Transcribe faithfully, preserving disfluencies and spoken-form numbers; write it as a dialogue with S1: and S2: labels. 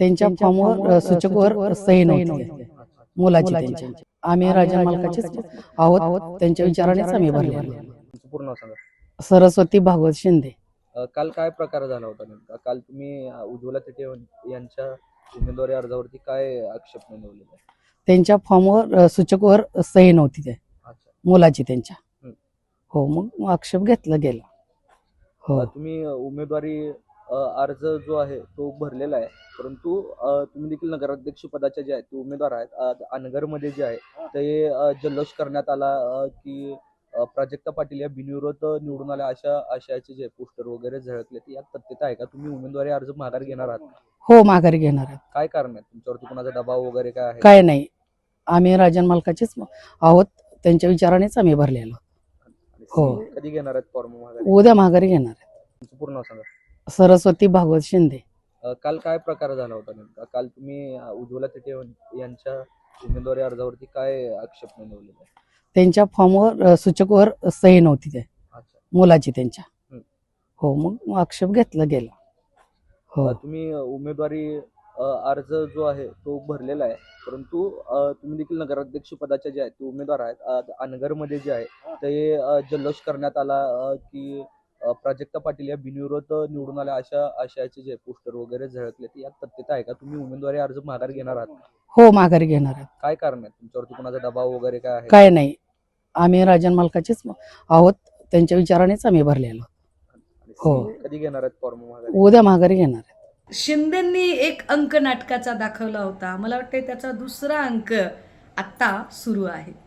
S1: त्यांच्या फॉर्मवर सूचकवर सही नव्हती मुलाची त्यांची. आम्ही राजन मालकाचेच आहोत, त्यांच्या विचारानेच आम्ही भरले.
S2: तुमचं पूर्ण नाव सांगा.
S1: सरस्वती भागवत शिंदे.
S2: अ, काल काय प्रकार झाला होता नेमका? काल तुम्ही अ, उज्ज्वला तिथे यांच्या उमेदवारी अर्जावरती काय आक्षेप नोंदवलेला आहे?
S1: त्यांच्या फॉर्मवर सूचकवर सही नव्हती ते
S2: अच्छा.
S1: मुलाची त्यांच्या.
S2: हं.
S1: हो, मग आक्षेप घेतला गेला. हो,
S2: अ, तुम्ही अ, उमेदवारी अ, अर्ज जो आहे तो भरलेला आहे, परंतु अ, तुम्ही देखील नगराध्यक्ष पदाचे जे आहेत ते उमेदवार आहेत. अ, अनगरमध्ये जे आहे ते अ, जल्लोष करण्यात आला अ, की अ, प्राजक्ता पाटील या बिनविरोध निवडून आल्या अशा आशयाचे जे पोस्टर वगैरे झळकले, ते यात तथ्यता आहे का? तुम्ही उमेदवारी अर्ज माघार घेणार आहात?
S1: हो माघारी घेणार आहे.
S2: काय कारण आहे? तुमच्यावरती कोणाचा दबाव वगैरे काय आहे?
S1: काय नाही, आम्ही राजन मालकाचेच आहोत, त्यांच्या विचारानेच आम्ही भरलेलो.
S2: आणि
S1: हो.
S2: तुम्ही कधी घेणार आहेत फॉर्म माघारी?
S1: उद्या माघारी घेणार आहे.
S2: तुमचं पूर्ण नाव सांगा.
S1: सरस्वती भागवत शिंदे.
S2: अ, काल काय प्रकार झाला होता नेमका? काल तुम्ही अ, उज्ज्वला तिथे यांच्या उमेदवारी अर्जावरती काय आक्षेप नोंदवलेला आहे?
S1: त्यांच्या फॉर्मवर सूचकवर सही नव्हती ते
S2: अच्छा.
S1: मुलाची त्यांच्या.
S2: हं.
S1: हो, मग आक्षेप घेतला गेला. हो,
S2: अ, तुम्ही अ, उमेदवारी अ, अर्ज जो आहे तो भरलेला आहे, परंतु अ, तुम्ही देखील नगराध्यक्ष पदाचे जे आहेत ते उमेदवार आहेत. अ, अनगरमध्ये जे आहे ते अ, जल्लोष करण्यात आला अ, की अ, प्राजक्ता पाटील या बिनविरोध निवडून आल्या अशा आशयाचे जे पोस्टर वगैरे झळकले, ते यात तथ्यता आहे का? तुम्ही उमेदवारी अर्ज माघार घेणार आहात?
S1: हो माघारी घेणार आहे.
S2: काय कारण आहे? तुमच्यावरती कोणाचा दबाव वगैरे काय आहे?
S1: काय नाही, आम्ही राजन मालकाचेच आहोत, त्यांच्या विचारानेच आम्ही भरलेलो.
S2: आणि
S1: हो.
S2: तुम्ही कधी घेणार आहेत फॉर्म माघारी?
S1: उद्या माघारी घेणार आहे.
S3: शिंदेंनी एक अंक नाटकाचा दाखवला होता. मला वाटतं त्याचा दुसरा अंक आत्ता सुरू आहे.